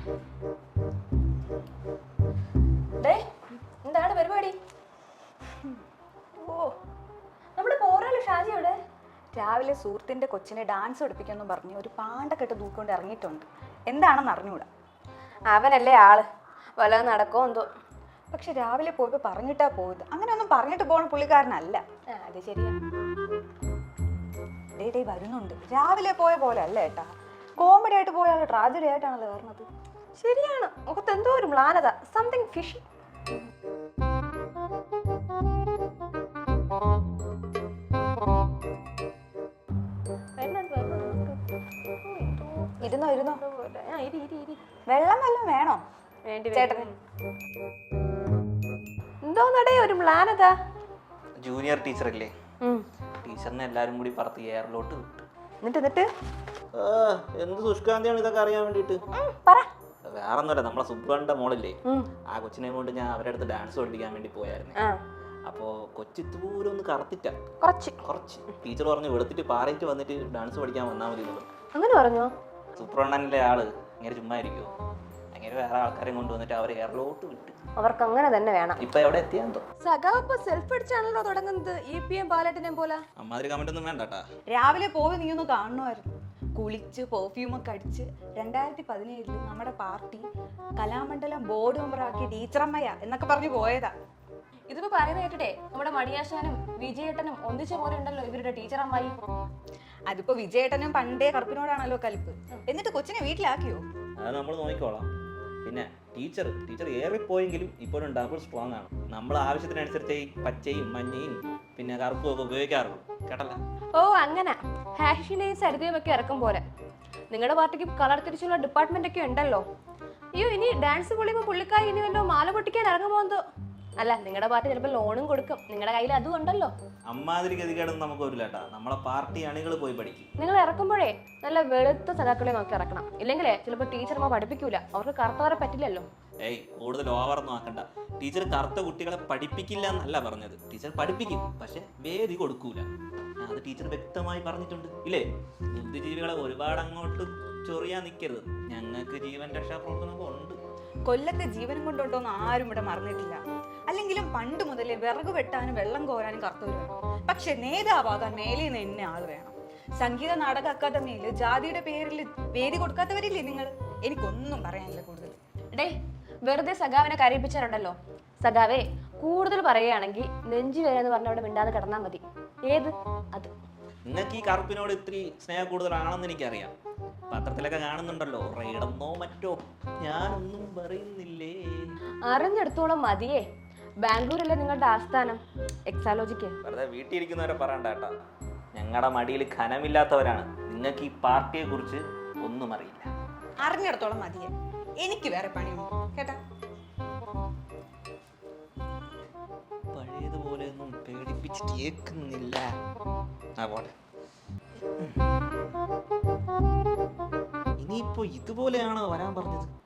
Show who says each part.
Speaker 1: എന്താണ് പരിപാടി? ഓ, നമ്മുടെ പോറാല് ഷാജി ഇവിടെ രാവിലെ സുഹൃത്തിന്റെ കൊച്ചിനെ ഡാൻസ് പഠിപ്പിക്കാന്നും പറഞ്ഞ് ഒരു പാണ്ടക്കെട്ട് തൂക്കൊണ്ട് ഇറങ്ങിയിട്ടുണ്ട്. എന്താണെന്ന് അറിഞ്ഞൂടാ.
Speaker 2: അവനല്ലേ ആള്, വല്ലതും നടക്കോ എന്തോ.
Speaker 1: പക്ഷെ രാവിലെ പോയപ്പോ പറഞ്ഞിട്ടാ പോയത്. അങ്ങനെ ഒന്നും പറഞ്ഞിട്ട് പോണ പുള്ളിക്കാരനല്ല.
Speaker 2: അത് ശരിയാ.
Speaker 1: ഡേ വരുന്നുണ്ട്. രാവിലെ പോയ പോലെ അല്ല ഏട്ടാ. കോമഡി ആയിട്ട് പോയാൽ ട്രാജഡി ആയിട്ടാണല്ലോ പറഞ്ഞത്.
Speaker 2: ശരിയാണ്, മുഖത്ത് എന്തോ ഒരു മ്ലാനത, സംതിങ് ഫിഷി.
Speaker 1: ഇരുന്നോ ഇരുന്നോ. വെള്ളം വല്ലതും വേണോ ചേട്ടന്?
Speaker 2: എന്തോന്നടേ ഒരു മ്ലാനത?
Speaker 3: ജൂനിയർ ടീച്ചറല്ലേ, ടീച്ചറിനെ എല്ലാരും കൂടി പറത്ത് എയറിലോട്ട് വിട്ടു.
Speaker 2: എന്നിട്ട്
Speaker 3: എന്ത് സുഷ്കാന്തിയാണ് ഇതൊക്കെ അറിയാൻ വേണ്ടിട്ട്. വേറൊന്നുമല്ല, നമ്മളെ സുബ്രന്റെ മോളില്ലേ, ആ കൊച്ചിനെ കൊണ്ട് ഞാൻ അവരുടെ അടുത്ത് ഡാൻസ് പഠിപ്പിക്കാൻ വേണ്ടി പോയായിരുന്നു. അപ്പോ കൊച്ചിത്തൂരം ഒന്ന് കറുത്തിട്ട കുറച്ച് ടീച്ചർ പറഞ്ഞു വെളുത്തിട്ട് പാറയിട്ട് വന്നിട്ട് ഡാൻസ് പഠിക്കാൻ വന്നാൽ മതി.
Speaker 2: അങ്ങനെ പറഞ്ഞോ?
Speaker 3: സുബ്രണ്ണനിലെ ആള് അങ്ങനെ ചുമ്മാ ഇരിക്കുവോ? അങ്ങനെ വേറെ ആൾക്കാരെ കൊണ്ടുവന്നിട്ട് അവരെ എയറിലോട്ട് വിട്ട്.
Speaker 2: അവർക്ക് അങ്ങനെ തന്നെ വേണം.
Speaker 3: ഇപ്പൊ എവിടെ എത്തിയാന്തോ.
Speaker 2: സഖാവ് സെൽഫ് അടിച്ചാണല്ലോ തുടങ്ങുന്നത്. EPM പാലറ്റിനെ പോലെ.
Speaker 3: അമ്മാതിരി കമന്റ് ഒന്നും വേണ്ടട്ടാ.
Speaker 1: രാവിലെ പോയി നീ ഒന്ന് കാണണമായിരുന്നു. കുളിച്ച് പെർഫ്യൂമൊക്കെ അടിച്ച് 2017 നമ്മുടെ പാർട്ടി കലാമണ്ഡലം ബോർഡ് മെമ്പറാക്കി ടീച്ചറമ്മയ എന്നൊക്കെ പറഞ്ഞു പോയതാ.
Speaker 2: ഇതിപ്പോ പറയുന്ന കേട്ടിട്ടേ നമ്മുടെ മണിയാശാനും വിജയേട്ടനും ഒന്നിച്ച പോലെ ഉണ്ടല്ലോ ഇവരുടെ ടീച്ചറമ്മായി.
Speaker 1: അതിപ്പോ വിജയേട്ടനും പണ്ടേ കറുപ്പിനോടാണല്ലോ കലിപ്പ്. എന്നിട്ട് കൊച്ചിനെ വീട്ടിലാക്കിയോ?
Speaker 3: അത് നമ്മൾ നോക്കിക്കോളാം. പിന്നെ ടീച്ചർ ഏറിപ്പോയെങ്കിലും ഇപ്പോഴും ഡബിൾ സ്ട്രോങ് ആണ്. നമ്മൾ ആവശ്യത്തിനനുസരിച്ച് ഈ പച്ചയും മഞ്ഞയും പിന്നെ കറുപ്പും ഒക്കെ ഉപയോഗിക്കാറുള്ളൂ. കേട്ടല്ല?
Speaker 2: ഓ അങ്ങനെ ഹാഷിനെയും സരിതയും ഒക്കെ ഇറക്കും പോലെ. നിങ്ങളുടെ പാർട്ടിക്ക് കളർ തിരിച്ചുള്ള ഡിപ്പാർട്ട്മെന്റ് ഒക്കെ ഉണ്ടല്ലോ. അയ്യോ, ഇനി ഡാൻസ് പൊളിയുമ്പോൾ പുള്ളിക്കാരി ഇനി വല്ലോ മാല പൊട്ടിക്കാൻ ഇറങ്ങുമോ എന്തോ. അല്ല, നിങ്ങളുടെ പാർട്ടി ചിലപ്പോൾ ലോണും കൊടുക്കും. നിങ്ങളുടെ കയ്യിൽ അതും ഉണ്ടല്ലോ.
Speaker 3: അമ്മാതിരി ഗതികേടൊന്നും നമുക്ക് വരില്ല. നമ്മളെ പാർട്ടി അണികൾ പോയി പഠിക്കും.
Speaker 2: നിങ്ങൾ ഇറക്കുമ്പോഴേ നല്ല വെളുത്ത സഖാക്കളെ നോക്കി ഇറക്കണം. ഇല്ലെങ്കിലേ ചിലപ്പോൾ ടീച്ചർമാർ പഠിപ്പിക്കൂല. അവർക്ക് കറുത്തവരെ പറ്റില്ലല്ലോ.
Speaker 3: കൂടുതൽ ഓവറൊന്നും ആക്കണ്ട. ടീച്ചർ കറുത്ത കുട്ടികളെ പഠിപ്പിക്കില്ല എന്നല്ല പറഞ്ഞത്. ടീച്ചർ പഠിപ്പിക്കും, പക്ഷെ വേദി കൊടുക്കൂല. അത് ടീച്ചർ വ്യക്തമായി പറഞ്ഞിട്ടുണ്ട് ഇല്ലേ? ബുദ്ധിജീവികളെ ഒരുപാട് അങ്ങോട്ട് ചൊറിയാൻ നിൽക്കരുത്. ഞങ്ങൾക്ക് ജീവൻ രക്ഷാപ്രവർത്തനമൊക്കെ ഉണ്ട്.
Speaker 1: കൊല്ലത്തെ ജീവനും കൊണ്ടോട്ടൊന്നും ആരും ഇവിടെ മറന്നിട്ടില്ല. അല്ലെങ്കിലും പണ്ട് മുതലേ വിറക് വെട്ടാനും വെള്ളം കോരാനും കറുത്തവർ വേണം. പക്ഷെ നേതാവാകാൻ മേലെ നിന്ന് എന്നെ ആള് വേണം. സംഗീത നാടക അക്കാദമിയിൽ ജാതിയുടെ പേരിൽ വേദി കൊടുക്കാത്തവരില്ലേ നിങ്ങൾ? എനിക്കൊന്നും പറയാനില്ല കൂടുതൽ.
Speaker 2: വെറുതെ സഖാവിനെ കരയിപ്പിച്ചാലുണ്ടല്ലോ. സഖാവേ, കൂടുതൽ പറയുകയാണെങ്കിൽ നെഞ്ചു വേദന എന്ന് പറഞ്ഞ അവിടെ മിണ്ടാതെ കിടന്നാൽ മതി. ഏത് അത്
Speaker 3: നിങ്ങൾക്ക് ഈ കറുപ്പിനോട് ഇത്തിരി സ്നേഹം കൂടുതലാണെന്ന് എനിക്കറിയാം. പത്രത്തിലൊക്കെ കാണുന്നുണ്ടല്ലോ, റെയ്ഡെന്നോ മറ്റോ. ഞാനൊന്നും പറയുന്നില്ലേ.
Speaker 2: അറിഞ്ഞെടുത്തോളം മതിയേ. ബാംഗ്ലൂരല്ലേ നിങ്ങളുടെ ആസ്ഥാനം? എക്സാലോജിക്ക്
Speaker 3: വെറുതെ വീട്ടിലിരിക്കുന്നവരെ പറയണ്ട കേട്ടാ. ഞങ്ങളുടെ മടിയിൽ ഖനമില്ലാത്തവരാണ്. നിങ്ങൾക്ക് ഈ പാർട്ടിയെ കുറിച്ച് ഒന്നും അറിയില്ല.
Speaker 1: അറിഞ്ഞെടുത്തോളം മതിയെ. എനിക്ക് വേറെ പണിയുണ്ട് കേട്ടാ.
Speaker 3: പഴയതുപോലെ ഒന്നും പേടിപ്പിച്ചിട്ട് കേൾക്കുന്നില്ല. ഇനിയിപ്പോ ഇതുപോലെയാണോ വരാൻ പറഞ്ഞത്?